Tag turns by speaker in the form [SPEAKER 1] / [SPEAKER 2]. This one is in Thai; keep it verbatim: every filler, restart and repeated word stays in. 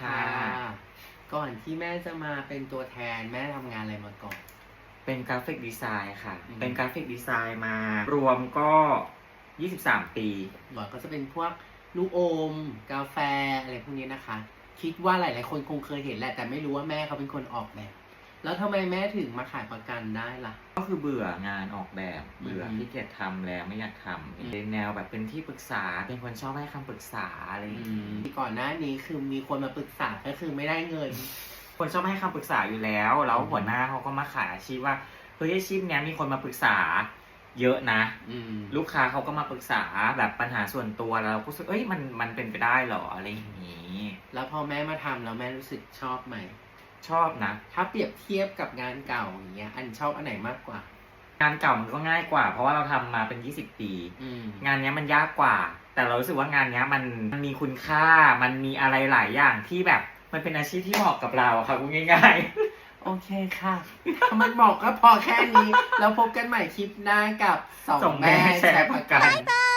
[SPEAKER 1] ค่ะก่อนที่แม่จะมาเป็นตัวแทนแม่ทำงานอะไรมาก่อน
[SPEAKER 2] เป็นกราฟิกดีไซน์ค่ะ
[SPEAKER 1] อืม
[SPEAKER 2] เป็นกราฟิกดีไซน์มารวมก็ยี่สิบสามปี
[SPEAKER 1] หมอก็จะเป็นพวกลูกอมกาแฟอะไรพวกนี้นะคะ คิดว่าหลายๆคนคงเคยเห็นแหละ แต่ไม่รู้ว่าแม่เขาเป็นคนออกแบบ แล้วทำไมแม่ถึงมาขายประกันได้ล่ะ
[SPEAKER 2] ก็คือเบื่องานออกแบบ เบื่อ
[SPEAKER 1] อืม
[SPEAKER 2] ที่เกียจทำแล้วไม่อยากทำเป็นแนวแบบเป็นที่ปรึกษา เป็นคนชอบให้คำปรึกษาอะไรอย่าง
[SPEAKER 1] อื
[SPEAKER 2] นี้
[SPEAKER 1] มก่อนหน้านี้คือมีคนมาปรึกษาก็คือไม่ได้เงิน
[SPEAKER 2] คนชอบให้คำปรึกษาอยู่แล้ว แล้ว
[SPEAKER 1] อืม
[SPEAKER 2] หัวหน้าเขาก็มาขายอาชีพว่าเฮ้ยอาชีพเนี้ยมีคนมาปรึกษาเยอะนะ
[SPEAKER 1] อืม
[SPEAKER 2] ลูกค้าเขาก็มาปรึกษาแบบปัญหาส่วนตัวแล้วเราก็รู้สึกเอ้ยมันมันเป็นไปได้เหรออะไรอย่างนี้
[SPEAKER 1] แล้วพอแม่มาทำแล้วแม่รู้สึกชอบไหม
[SPEAKER 2] ชอบนะ
[SPEAKER 1] ถ้าเปรียบเทียบกับงานเก่าอย่างเงี้ย อันชอบอันไหนมากกว่า
[SPEAKER 2] งานเก่ามันก็ง่ายกว่า เพราะว่าเราทำมาเป็นยี่สิบปี
[SPEAKER 1] อืม
[SPEAKER 2] งานเนี้ยมันยากกว่า แต่เรารู้สึกว่างานเนี้ยมันมันมีคุณค่า มันมีอะไรหลายอย่างที่แบบมันเป็นอาชีพที่เหมาะกับเราอะค่ะพูดง่าย
[SPEAKER 1] โอเคค่ะ ถ้ามันบอกก็พอแค่นี้ แล้วพบกันใหม่คลิปหน้ากับสอง
[SPEAKER 2] ส่งแม่
[SPEAKER 1] แม่
[SPEAKER 2] แชร์ประกัน
[SPEAKER 1] แชร์ประกัน